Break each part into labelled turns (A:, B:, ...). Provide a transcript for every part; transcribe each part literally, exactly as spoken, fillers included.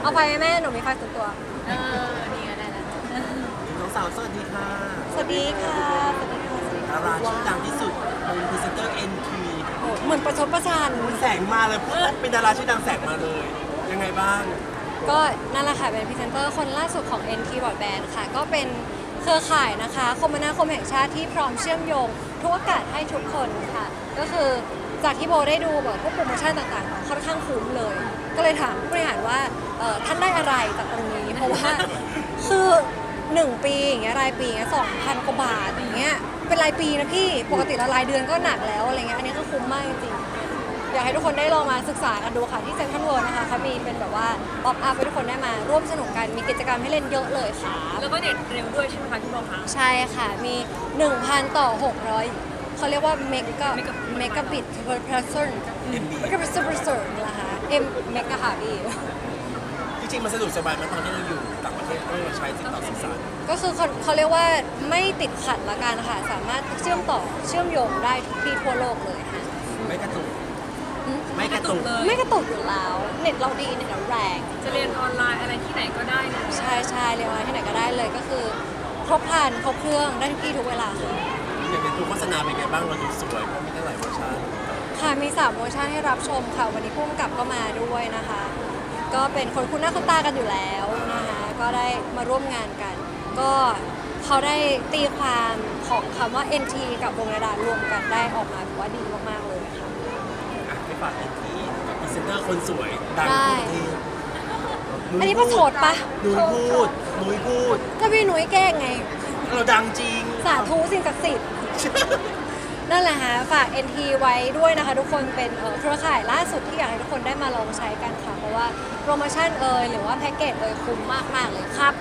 A: เอาไฟไหมแม่หนูมีไฟส่วนตัว
B: เออนี่ก็ได้แล้ว
C: น้องสาวสวัสดีค่ะ
A: สวัสดีค่ะสวัสดีค่ะสวัสดี
C: ดา
A: ค่ะ
C: ราชื่อดังที่สุดเป็นพรีเซนเตอร์เอ็นที
A: โอ้เหมือนประชดประชัน
C: แสงมาเลยพูดเป็นดาราชื่อดังแสงมาเลย ยังไงบ้าง
A: ก็นั่นแหละค่ะเป็นพรีเซนเตอร์คนล่าสุดของ เอ็น ที Broadband ค่ะก็เป็นเครือข่ายนะคะคมนาคมแห่งชาติที่พร้อมเชื่อมโยงทุกโอกาสให้ทุกคนค่ะ ก็คือจากที่โบได้ดูแบบพวกโปรโมชั่นต่างๆค่อนข้างคุ้มเลย ก็เลยถามผู้บริหารว่าเอ่อท่านได้อะไรจากตรงนี้ เพราะว่าคือหนึ่งปีอย่างเงี้ยรายปีอย่างเงี้ยสองพันกว่าบาทอย่างเงี้ยเป็นรายปีนะพี่ปกติละรายเดือนก็หนักแล้วอะไรเงี้ยอันนี้ก็คุ้มมากจริงๆอยากให้ทุกคนได้ลองมาศึกษากันดูค่ะที่เซ็นทรัลเวิลด์นะคะเขามีเป็นแบบว่าป๊อปอัพให้ทุกคนได้มาร่วมสนุกกันมีกิจกรรมให้เล่นเยอะเลยค่ะ
B: แล้วก็เน็ตเร็วด้วยใช่ไหมคะพี่โบคะ
A: ใช่ค่ะ มี หนึ่งพัน ต่อ หกร้อย เขาเรียกว่าเมกะ
B: Mega-
A: เมกะบิต per person
C: เอ็มบี
A: เมกะบิต per person นะคะ M เมกะค่ะพี่
C: จริงๆมันสะดวกสบายไหมตอนที่เราอยู่ต่างประเทศต้องมาใช้ติดต่อสื่อสาร
A: ก็คือเขาเขาเรียกว่าไม่ติดขัดละกันค่ะ สามารถเชื่อมต่อเชื่อมโยงได้ทุกที่ทั่วโลกเลยค่ะ
C: ไม่กระตุก
A: อืม
C: ไม่กระตุก
B: เลย
A: ไม่กระตุกอยู่แล้ว เน็ตเราดีเน็ตเราแรง
B: จะเรียนออนไลน์อะไรที่ไหนก็ได้เลย
A: ใช่ใช่เรียนอะไรที่ไหนก็ได้เลยก็คือ ครบครันครบเครื่องได้ทุกที่ทุกเวลาค่ะ
C: อย่างเป็นตัวโฆษณาเป็นไงบ้างเราดูสวยเพราะมีตั้งหลายเวอร์ชัน
A: ค่ะมีสามเวอร์ชันให้รับชมค่ะ วันนี้ผู้กำกับก็มาด้วยนะคะ ก็เป็นคนคุ้นหน้าคุ้นตากันอยู่แล้วนะคะก็ได้มาร่วมงานกัน ก็เขาได้ตีความของคำว่า เอ็น ที กับวงระดารวมกันได้ออกมาถือว่าดีมากๆเลยค่ะ
C: อ่ะไม่ฝากเอ็นทีกับพรีเซนเตอร์คนสวยดัง
A: ได้
C: ทุกที่
A: อันนี้ประโชดปะ
C: นุ้ยพูดนุ้ยพูด
A: ก็พี่หนุ่ยแกล้งไง
C: เราดังจริง
A: สาธุสิ่งศักดิ์สิทธิ์ นั่นแหละฮะฝาก เอ็น ที ไว้ด้วยนะคะ ทุกคนเป็นเอ่อเครือข่ายล่าสุดที่อยากให้ทุกคนได้มาลองใช้กันค่ะ เพราะว่าโปรโมชั่นเอ่ยหรือว่าแพ็กเกจเอ่ยคุ้มมาก ๆ เลยครับ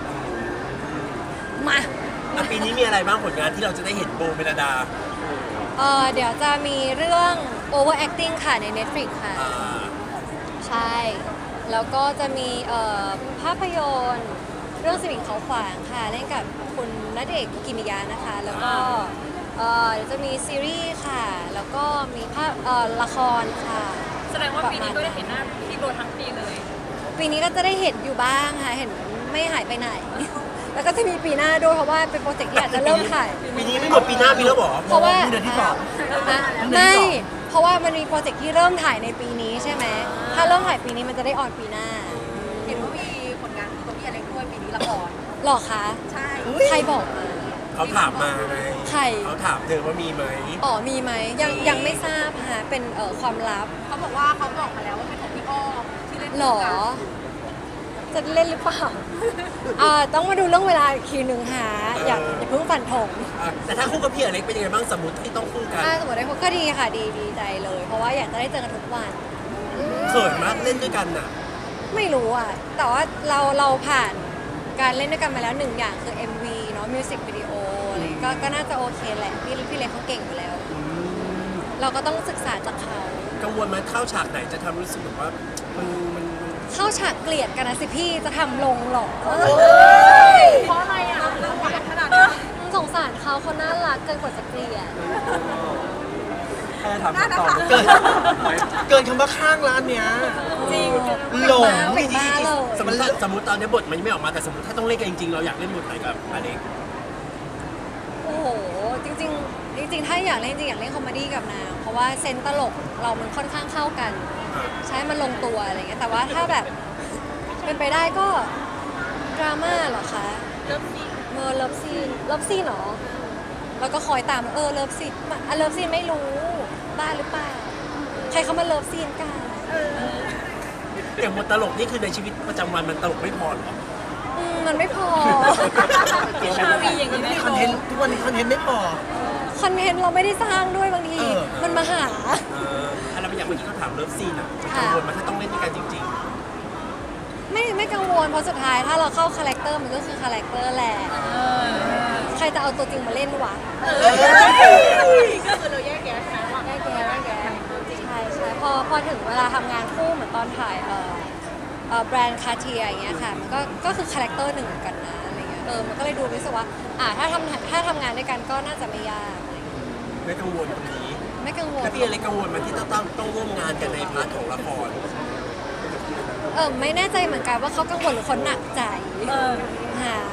A: มา
C: อ่ะปีนี้มีอะไรบ้างผลงานที่เราจะได้เห็นโบเมลดา
A: เอ่อเดี๋ยวจะมีเรื่อง overacting ค่ะใน Netflix ค่ะ
C: อ่า
A: ใช่ แล้วก็จะมีเอ่อภาพยนตร์เรื่องสมิงเขาขวางค่ะ เล่นกับคุณณเดชน์คุกิมิยะนะคะ แล้วก็เอ่อเดี๋ยวจะมีซีรีส์ค่ะ แล้วก็มีภาพเอ่อละครค่ะ
B: แสดงว่าปีนี้ก็ได้เห็นหน้าพี่โบทั้งปีเลย
A: ปีนี้ก็จะได้เห็นอยู่บ้างค่ะ เห็นไม่หายไปไหน แล้วก็จะมีปีหน้าด้วยเพราะว่าเป็นโปรเจกต์ที่อาจจะเริ่มถ่าย
C: ปีนี้ไม่หมดปีหน้าปีแล้วเหรอ
A: เพราะว่า
C: เดือนที่สอง
A: อ่ะไม่ เพราะว่ามันมีโปรเจกต์ที่เริ่มถ่ายในปีนี้ใช่ไหม ถ้าเริ่มถ่ายปีนี้มันจะได้ออนปีหน้า
B: เห็นว่ามีผลงานตัวพี่อะไรด้วยปีนี้ละคร
A: หรอคะ
B: ใช่
A: ใครบอกมา
C: เขาถามมาไง
A: ใคร
C: เขาถามเธอว่ามีไหม
A: อ๋อมีไหมยังยังไม่ทราบค่ะเป็นเอ่อความลับ
B: เขาบอกว่าเขาบอกมาแล้วว่าเป็นของพี่อ้อมที่เล่น
A: หรอ จะเล่นหรือเปล่า อ่าต้องมาดูเรื่องเวลาอีกทีหนึ่งหาอย่าอย่าเพิ่งฝันถง
C: อ่ะแต่ถ้าคู่กับพี่อเล็กเป็นยังไงบ้างสมมติที่ต้องคู่กัน
A: ถ้าสมมติได้พบก็ดีค่ะดีดีใจเลย เพราะว่าอยากจะได้เจอกันทุกวัน
C: เขินมากเล่นด้วยกันน่ะ
A: ไม่รู้อ่ะ แต่ว่าเราเราผ่านการเล่นด้วยกันมาแล้วหนึ่งอย่างคือ เอ็ม วี เนาะมิวสิกวิดีโออะไรก็ก็น่าจะโอเคแหละ พี่พี่เล็กเขาเก่งอยู่แล้ว เราก็ต้องศึกษาจากเขา
C: กังวลไหมเข้าฉากไหนจะทำรู้สึกแบบว่ามันมัน
A: เข้าฉากเกลียดกันนะสิพี่จะทำลงหรอ
B: เพราะอะไรอ่ะเราหวานขนาดนั้น
A: สงสารเขาเขาน่ารักเกินกว่าจะเกลียด
C: แค่ถามต่อเกินเกินคำว่าข้างร้านเนี้ย
A: จริง
C: หลง
A: เป็นบ้าเลย
C: สมมติถ้าสมมติตอนนี้บทมันยังไม่ออกมาแต่สมมติถ้าต้องเล่นกันจริงๆเราอยากเล่นบทไหนกับอเล็ก
A: โอ้โห จริงๆ จริงๆ ถ้าอยากเล่นจริงอยากเล่นคอมเมดี้กับนางเพราะว่าเซนส์ตลกเรามันค่อนข้างเข้ากัน ใช้มันลงตัวอะไรเงี้ย แต่ว่าถ้าแบบเป็นไปได้ก็ดราม่าเหรอคะ
B: เริ่มซี
A: เมอร์เลิฟซีนเลิฟซีนเหรอ แล้วก็คอยตามเออเลิฟซีนอ่ะเลิฟซีนไม่รู้บ้าหรือเปล่า ใครเขามาเลิฟซีนกัน
C: อย่างบทตลกนี่คือในชีวิตประจำวันมันตลกไม่พอหรอ
A: อืมมันไม่พอ
B: ชาวีอย่างนี้ไม่
C: คอน
B: โด
C: เทน
B: น
C: ต์ทุกวันนี้คอนเทนต์ไม่พอ
A: คอนเทนต์เราไม่ได้สร้างด้วยบางที
C: เออ
A: มันมาหา
C: เอออะไรบางอย่างเมื่อกี้เขาถามเลิฟซีนอ่ะ
A: ค่ะ
C: กังวลไหมาถ้าต้องเล่นด้วยกันจริง
A: ไม่ไม่กังวลเพราะสุดท้ายถ้าเราเข้าคาแรคเตอร์มันก็คือคาแรคเตอร์แหละ ใครจะเอาตัวจริงมาเล่นวะ
B: ก็คือเราแยกแยะใช่ไหมว่า
A: ได้แกได้แกใช่ใช่พอพอถึงเวลาทำงานคู่เหมือนตอนถ่ายเอ่อเอ่อแบรนด์คาเทียอย่างเงี้ยค่ะมันก็ก็คือคาแรคเตอร์หนึ่งเหมือนกันนะอะไรเงี้ยเออมันก็เลยดูรู้สึกว่าอ่าถ้าทำถ้าทำงานด้วยกันก็น่าจะไม่ยากอะไรเงี้ย
C: ๆ ไม่กังวลตรงนี้
A: ไม่กังวล
C: แล้วพี่อเล็กกังวลไหมันที่ต้องต้องต้องร่วมงานกันในพาร์ทของละคร
A: เออไม่แน่ใจเหมือนกันว่าเขากังวลหรือเขาหนักใจ
B: เออ
A: หา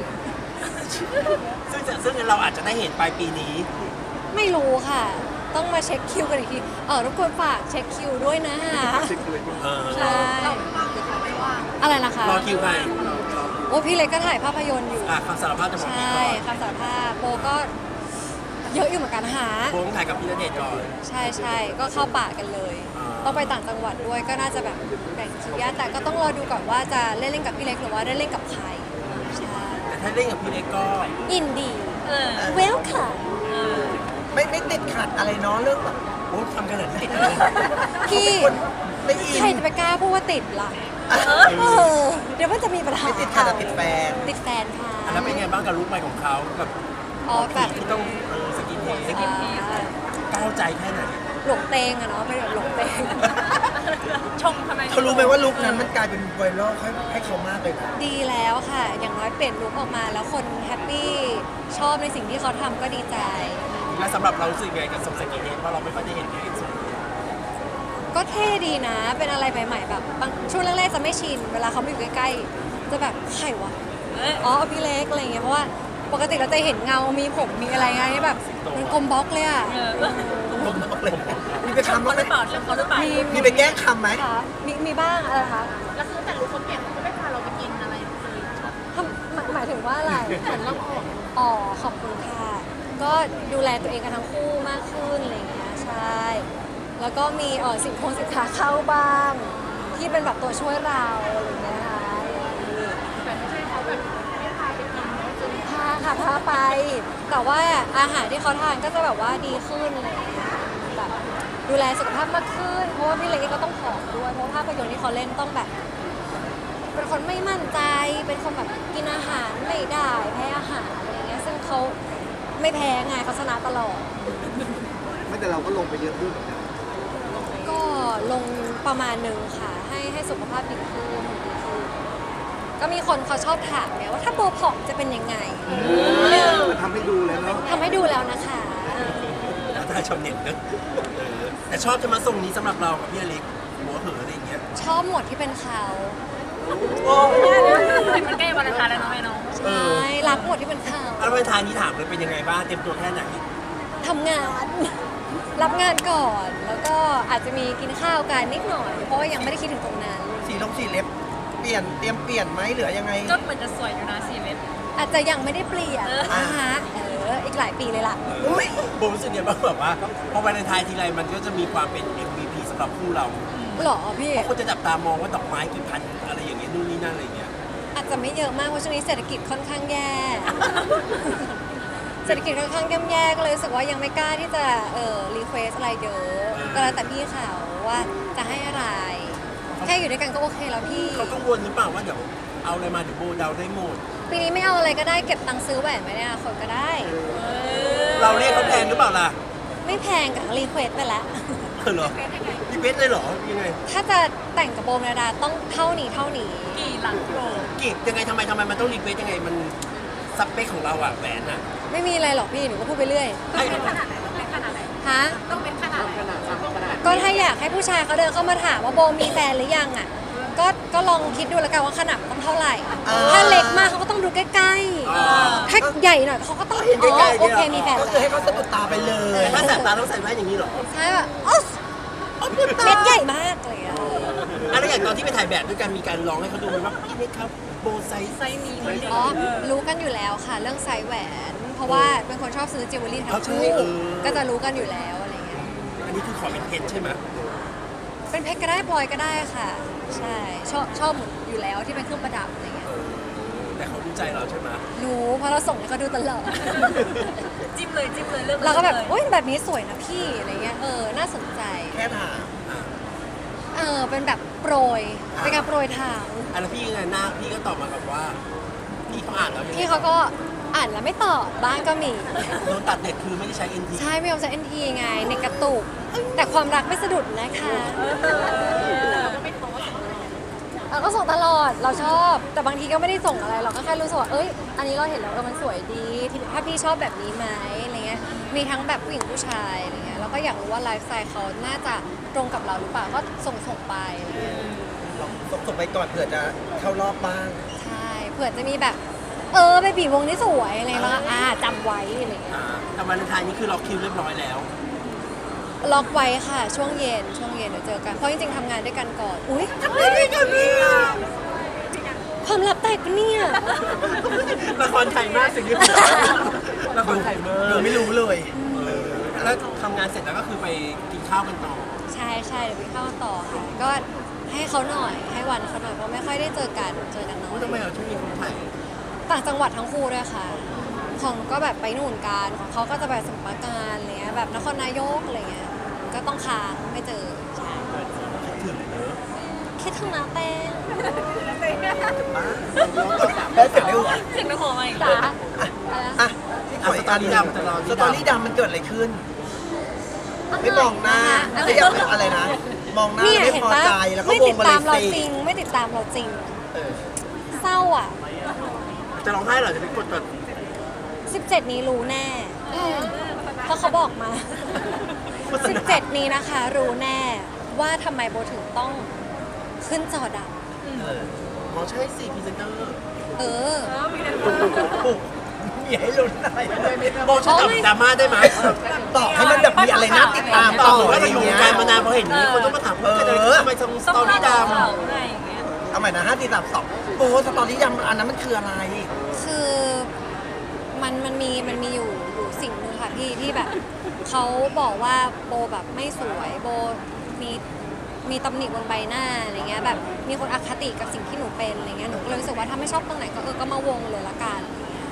C: ซึ่งจะซึ่งเราอาจจะได้เห็นปลายปีนี้
A: ไม่รู้ค่ะ ต้องมาเช็คคิวกันอีกทีเออรบกวนฝากเช็คคิวด้วยนะฮะ
C: เออ
A: ใช่
B: เราว่างหรือเขาไม่ว่าง
A: อะไรนะคะ
C: รอคิวใคร
A: โอ้พี่เล็กก็ถ่ายภาพยนตร์อยู่
C: อ่ะคำสารภาพจะบอก
A: ใช
C: พี่
A: ่
C: ก่อน
A: คำสารภาพโบก็เยอะอยู่เหมือนกันหา
C: โบต้องถ่ายกับพี่ณเดชน์ก่อน
A: ใช่ใช่ก็เข้าป่ากันเลย
C: อ่า
A: ต้องไปต่างจังหวัดด้วยก็น่าจะแบบแบ่งคิวยากแต่ก็ต้องรอดูก่อนว่าจะเล่นเล่นกับพี่เล็กหรือว่าได้เล่นกับใครใช่
C: แต่ถ้าเล่นกับพี่เล็กก็
A: ยินดี
B: เออ
A: เวลค่ะ
D: ไม่ไม่ติดขัดอะไรเนาะเรื่องแบบ
C: โอ้ทำขนาดนี้
A: พี่
D: คนไม่อิน
A: ใครจะไปกล้าพูดว่าติดล่ะเออเดี๋ยวมันจะมีปัญหา
D: ไม่ติดขัดแต่ติดแฟน
A: ติดแฟนค่ะ
C: อ่ะแล้วเป็นไงบ้างกับลุคใหม่ของเขาแบบ
A: อ๋อแบบ
C: ที่ต้องเออสกินเฮดสกิน
A: อ่า
C: ก้าวใจแค่ไหน
A: หลงเตงอะเนาะเป็นแบบหลงเตง
B: ชงทำไม
D: เขารู้ไหมว่าลุคนั้นมันกลายเป็นไวรัลให้ให้เขามากเลยนะ
A: ดีแล้วค่ะ อย่างน้อยเปลี่ยนลุคออกมาแล้วคนแฮปปี้ชอบในสิ่งที่เขาทำก็ดีใจ
C: และสำหรับเรารู้สึกไงกับทรงสกินเฮดเพราะเราไม่ค่อยได้เห็นพี่เล็กทรงนี้
A: ก็เท่ดีนะ เป็นอะไรใหม่ๆแบบบางช่วงแรกๆจะไม่ชิน เวลาเขามาอยู่ใกล้ๆ จะแบบใครวะ
B: เอ้ย
A: อ๋อพี่เล็กอะไรอย่างเงี้ย เพราะว่าปกติเราจะเห็นเงา มีผม มีอะไรไงนี่แบบมันกลมบล็อกเลยอ่ะ
B: เออ
D: ผมบอกเลยมีไป
B: ชง
D: ทำ
B: เขา
D: บ้าง
B: ห
D: ไหม
B: รือเปล่าชงเขาหรือเปล่า
A: มี
D: มีไปแกล้งคำไหม
A: ค่ะมีมีบ้างอะไรคะ
B: แล้วคือแต่รู้คนเก่งเขาไม่พาเราไปกินอะไรเลย
A: ทำหมายหมายถึงว่าอะไรอ๋อ ขอบคุณค่ะ ก็ดูแลตัวเองกันทั้งคู่มากขึ้นอะไรอย่างเงี้ย ใช่ แล้วก็มีเออสินคงสินค้าเข้าบ้าง ที่เป็นแบบตัวช่วยเราอะไรอย่างเงี้ยค่ะ
B: แต่ไม่ใช่เขาแบบไม่พาไปกินจน
A: พาค่ะพาไป แต่ว่าอาหารที่เขาทานก็จะแบบว่าดีขึ้นอะไรอย่างเลยแบบดูแลสุขภาพมากขึ้น เพราะว่าพี่เล็กก็ต้องผอมด้วย เพราะภาพยนตร์ที่เขาเล่นต้องแบบ เป็นคนไม่มั่นใจ เป็นคนแบบกินอาหารไม่ได้แพ้อาหารอะไรอย่างเงี้ย ซึ่งเขาไม่แพ้ไงเขาชนะตลอด
D: ไม่แต่เราก็ลงไปเยอะด้วยเหมือนกัน
A: ก็ลงประมาณหนึ่งค่ะ ให้ให้สุขภาพดีขึ้นดีขึ้นก็มีคนเขาชอบถามเนี่ยว่าถ้าโบผอมจะเป็นยังไง
D: มันทำให้ดูแล้วเนาะ
A: ทำให้ดูแล้วนะคะ
C: แล้วถ้าชาวเน็ตนะเออแต่ชอบจะมาทรงนี้สำหรับเรากับพี่อเล็กหัวเหอะอะไรอย่างเงี้ย
A: ชอบหมดที่เป็นเขา
B: มันใกล้วันอังคารแล้วเนาะแม่น้อง
A: ใช่รักหมดที่เป็นเขา
C: แล้ววันทานนี้ถามเลยเป็นยังไงบ้างเตรียมตัวแค่ไหน
A: ทำงาน รับงานก่อน แล้วก็อาจจะมีกินข้าวกันนิดหน่อย เพราะว่ายังไม่ได้คิดถึงตรงนั้น
D: สีลงสีเล็บ เปลี่ยนเตรียมเปลี่ยนไหมหรือยังไง
B: ก็เหมือนจะสวยอยู่นะสี่เม็ด
A: อาจจะยังไม่ได้เปลี่ยน
B: เออ
A: นะคะเอออีกหลายปีเลยล่ะ
D: อุ้ย
C: โบรู้สึกยังไงบ้างแบบว่าพอวันไทายทีไรมันก็จะมีความเป็น เอ็ม วี พี สำหรับคู่เรา
A: หรอพี่
C: เพราะคนจะจับตามองว่าดอกไม้กี่พันอะไรอย่างเงี้ยนู่นนี่นั่นอะไรอย่างเงี้ย
A: อาจจะไม่เยอะมากเพราะช่วงนี้เศรษฐกิจค่อนข้างแย่ เศรษฐกิจค่อนข้างย่ำแย่ก็เลยรู้สึกว่ายังไม่กล้าที่จะเออรีเควสอะไรเยอะก็แล้วแต่พี่เขาว่าจะให้อะไร แค่อยู่ด้วยกันก็โอเคแล้วพี่
C: เขากังวลหรือเปล่าว่าเดี๋ยวเอาอะไรมาเดี๋ยวโบเดาได้หมด
A: ปีนี้ไม่เอาอะไรก็ได้เก็บตังค์ซื้อแหวนไว้ในอนาคตก็ได้
C: เราเรียกเขาแพงหรือเปล่าล่ะ
A: ไม่แพงกับรีเควสไปแล้ว
C: เออเหรอพี่เบสเลยเหรอยังไง
A: ถ้าจะแต่งกับโบเมลดาต้องเท่านี้เท่านี้
B: กี่หลังโล
C: กีบยังไงทำไมทำไมมันต้องรีเควสยังไงมันสเปคของเราอะแหวนอะ
A: ไม่มีอะไรหรอกพี่หนูก็พูดไปเรื่อย
C: ไอ้
B: เป็นขนาดไหนต้องเป็นขนาดไหน
A: ฮะ
B: ต้องเป็นขนาดไหน
A: ก็ถ้าอยากให้ผู้ชายเขาเดินเข้ามาถามว่าโบมีแฟนหรือยังอ่ะ ก็ก็ลองคิดดูแล้วกันว่าขนาดต้องเท่าไหร่ ถ้าเล็กมากเขาก็ต้องดูใกล้
C: อ๋อ
A: ๆ ถ้าใหญ่หน่อยเขาก็ต้อง
D: เห็น
A: อ๋
D: ใกล้
A: อ
D: ๆ
A: โอเค
D: เนี่ย
A: มีแฟน
D: ก็
A: แล้ว
D: คือให้เขาสะดุดตาไปเลย
C: ถ้าแสบตาต้องใส่แว่นอย่างนี้เหรอ
A: ใช่แบบอ๊อสเม็ดใหญ่มากเลยอะ
C: อะไรอย่างตอนที่ไปถ่ายแบบด้วยกันมีการลองให้เขาดูไหมว่าพี่นี่ครับโบไซส์
B: ไซส์นี้มันดี
A: อ๋อรู้กันอยู่แล้วค่ะ เรื่องไซส์แหวน เพราะว่าเป็นคนชอบซื้อจิวเวลรี่ทั้งคู่ก็จะรู้กันอยู่แล้วอะไรเงี้ย
C: อันนี้คือขอเป็นเพชรใช่ไหม
A: เป็นเพชรก็ได้พลอยก็ได้ค่ะ ใช่ชอบชอบหมดอยู่แล้วที่เป็นเครื่องประดับอะไรเงี้ย
C: เออแต่เขาดูใจเราใช่ไหม
A: รู้เพราะเราส่งให้เขาดูตลอด
B: จิ้มเลยจิ้มเลยเลือก
A: เราก็แบบ
B: ลย
A: โอ๊ยแบบนี้สวยนะพี่อะไรเงี้ย เออ น่าสนใจ
D: แค่ถาม
C: อ่ะ
A: เออ เป็นแบบโปรย เป็นการโปรยทาง
C: อ่ะแล้วพี่ยังไงหน้าพี่ก็ตอบมาแบบว่า พี่เขาอ่านแล้วยังไง
A: พี่เขาก็อ่านแล้วไม่ตอบ บ้างก็มี
C: โดนตัดเน็ตคือไม่ได้ใช้ เอ็น ที
A: ใช่ไม่ยอมใช้ เอ็น ที ไง ในกระตุก แต่ความรักไม่สะดุดนะคะ
B: เราก็ไม่โพสต์
A: เราก็ส่งตลอด เราชอบ แต่บางทีก็ไม่ได้ส่งอะไร เราก็แค่รู้สึกว่า เอ้ย อันนี้เราเห็นแล้วเออมันสวยดีที่ถ้าพี่ชอบแบบนี้ไหมอะไรเงี้ย มีทั้งแบบผู้หญิงผู้ชายอะไรเงี้ย เราก็อยากรู้ว่าไลฟ์สไตล์เขาน่าจะตรงกับเราหรือเปล่า ก็ส่งส่งไปอะไรเงี้ย
D: เราส่งส่งไปก่อนเผื่อจะเข้ารอบบ้าง
A: ใช่เผื่อจะมีแบบ เออไปบีวงนี้สวยอะไรแล้วก็อ่าจำไว้อะไรอย่างเงี้ย
C: อ่าแต่วันอังคารนี้คือล็อกคิวเรียบร้อยแล้ว
A: ล็อกไว้ค่ะ ช่วงเย็นช่วงเย็นเดี๋ยวเจอกันเพราะจริงๆทำงานด้วยกันก่อนอุ้ย
C: ทำได้ด้วยกันเนี่ย
A: ความลับแตกปะเนี่ย
C: ละครไทยมากสิ่งที่ละครไทยมาก
D: ดูไม่รู้เลย
C: เออแล้วทำงานเสร็จแล้วก็คือไปกินข้าวกันต่อ
A: ใช่ใช่เดี๋ยวไปเข้าต่อค่ะก็ให้เขาหน่อยให้วันเขาหน่อยเพราะไม่ค่อยได้เจอกันเจอกันน้อ
C: ว่าย ทำไมเราช่วงนี้คนไทย
A: ต่างจังหวัดทั้งคู่ด้วยค่ะ ของก็แบบไปนู่นกันของเขาก็จะแบบสมุทรปราการอะไรเงี้ยแบบนครนายกอะไรเงี้ยก็ต้องค้างไม่เจอใช่
C: ถึงเนอะ
A: คิดถึงน้าแป้ง
D: ได้เสร็จแล้ว
B: เสียงในหัวมาอีก
A: จ๋า
D: อ่ะที่ขออีกอันหนึงสตอรี่ดำมันเกิดอะไรขึ้น ไม่มองหน้าไม่อยากเป็นอะไรนะ มองหน้า
A: เนี่ย
D: ไม่
A: เห็น
D: พอ
A: ปะ
D: ใจแล้วก็
A: ไม่
D: ว
A: ติ
D: ง
A: ด
D: มาเล
A: ตาม
D: ย
A: เรา
D: สิ
A: จริง ไม่ติดตามเราจริง
D: เออ
A: เศร้าอ่ะ
C: จะร้องไห้เหรอจะไปกดแบบ
A: สิบเจ็ดนี้รู้แน่เพราะเขาบอกมา
C: โฆษณา
A: สิบเจ็ดนี้นะคะ รู้แน่ว่าทำไมโบถึงต้องขึ้นจอด
D: เออ
C: อ๋อใช่สิพรีเซนเตอร์
A: ำเออ
D: ปุ๊บมีให้ลุ้นอะไร
C: โบช่วยตอบดราม่าได้ไหม
D: ตอบให้มันแบบมีอะไรน่าติดตาม
C: ต
D: ต่
C: อ
D: อบ
C: เหมือน
D: อะ
C: ว่า
D: ไร
C: เราอยู่
D: เงี้
C: วย งการมานานพอเห็นนี้คนต้องมาถามว่าเกิดอะไรขึ้นทำไมต้องสตอรี่ด
B: ไงอย่างเงี้ย
D: เอาใหม่นะห้าตีสามสองโอ้สตอรี่ดำอันนั้นมันคืออะไร
A: คือมันมันมีมันมีอยู่อยู่สิ่งหนึ่งค่ะพี่ที่แบบเขาบอกว่าโบแบบไม่สวยโบมีมีตำหนิบนใบหน้าอะไรเงี้ยแบบมีคนอคติกับสิ่งที่หนูเป็นอะไรเงี้ยหนูก็เลยรู้สึกว่าถ้าไม่ชอบตรงไหนก็เออก็มาวงเลยละกันอะไรเงี้ย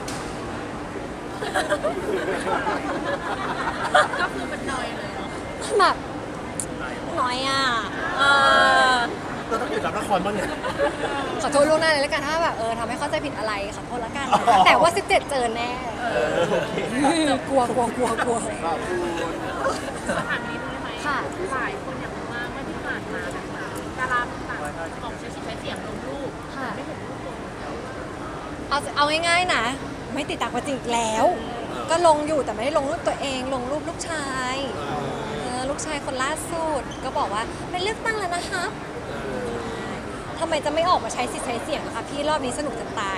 B: ก็คือเป็นนอยเลยเนาะ
A: แบบน้อยอ่ะ
B: เออ
C: ำเราต้องหยุดรับละครบ้างเนี่ย
A: ขอโทษล่วงหน้าเลยละกันถ้าแบบเออทำให้เข้าใจผิดอะไรขอโทษละกัน
C: อ๋อ
A: แต่ว่าสิบเจ็ดเจอแน่
C: โอเค
A: กลัวกลัวกลัวกลัว
B: ถามนี้ได้ไหม
A: ค่ะ
B: หลายคนอยากรู้ว่าเมื่อที่ผ่านมานะคะดาราต่างๆออกใช้สิทธิ์ใช้เสียงลงรูป
A: ค่ะ
B: ได้เห็นรูปลง
A: เอาเอาง่ายๆนะ ไม่ติดตามกันจริงแล้ว ก็ลงอยู่แต่ไม่ได้ลงรูปตัวเอง ลงรูปลูกชายเออลูกชายคนล่าสุดก็บอกว่าเป็นเลือกตั้งแล้วนะครับทำไมจะไม่ออกมาใช้สิทธิ์ใช้เสียงล่ะคะพี่รอบนี้สนุกจะตาย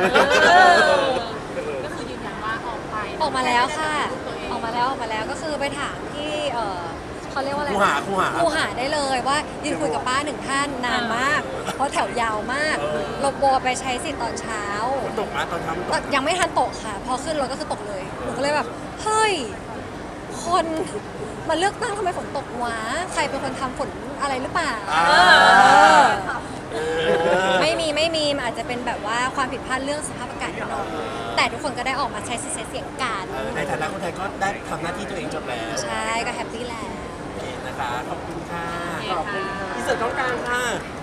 B: ก็คือยืนยันว่าออกไป
A: ออกมาแล้วค่ะ ออกมาแล้วออกมาแล้วก็คือไปถามที่เออเขาเรียกว่าอะไร
C: ครูหาครูหา
A: ครูหาได้เลยว่ายืนคุยกับป้าหนึ่งท่านนานมาก เพราะแถวยาวมากเราโบไปใช้สิทธิ์ตอนเช้า
C: ฝนตกมาตอนเช้ามันตก
A: ยังไม่ทันตกค่ะ พอขึ้นรถก็คือตกเลยหนูก็เลยแบบ เฮ้ย คนมาเลือกตั้งทำไมฝนตกวะ ใครเป็นคนทำฝนอะไรหรือเปล่า
C: อ่า
A: เออไม่มีไม่มีมันอาจจะเป็นแบบว่าความผิดพลาดเรื่องสภาพอากาศนิดหน่อยแต่ทุกคนก็ได้ออกมาใช้สิทธิ์ใช้เสียงกัน
C: เออในฐานะคนไทยก็ได้ทำหน้าที่ตัวเองจบแล้ว
A: ใช่ก็แฮปปี้แล้ว
C: โอเคนะคะ ขอบคุณค่ะ
B: ขอบคุณค่ะ
C: อินเสิร์ตต้องกลางค่ะ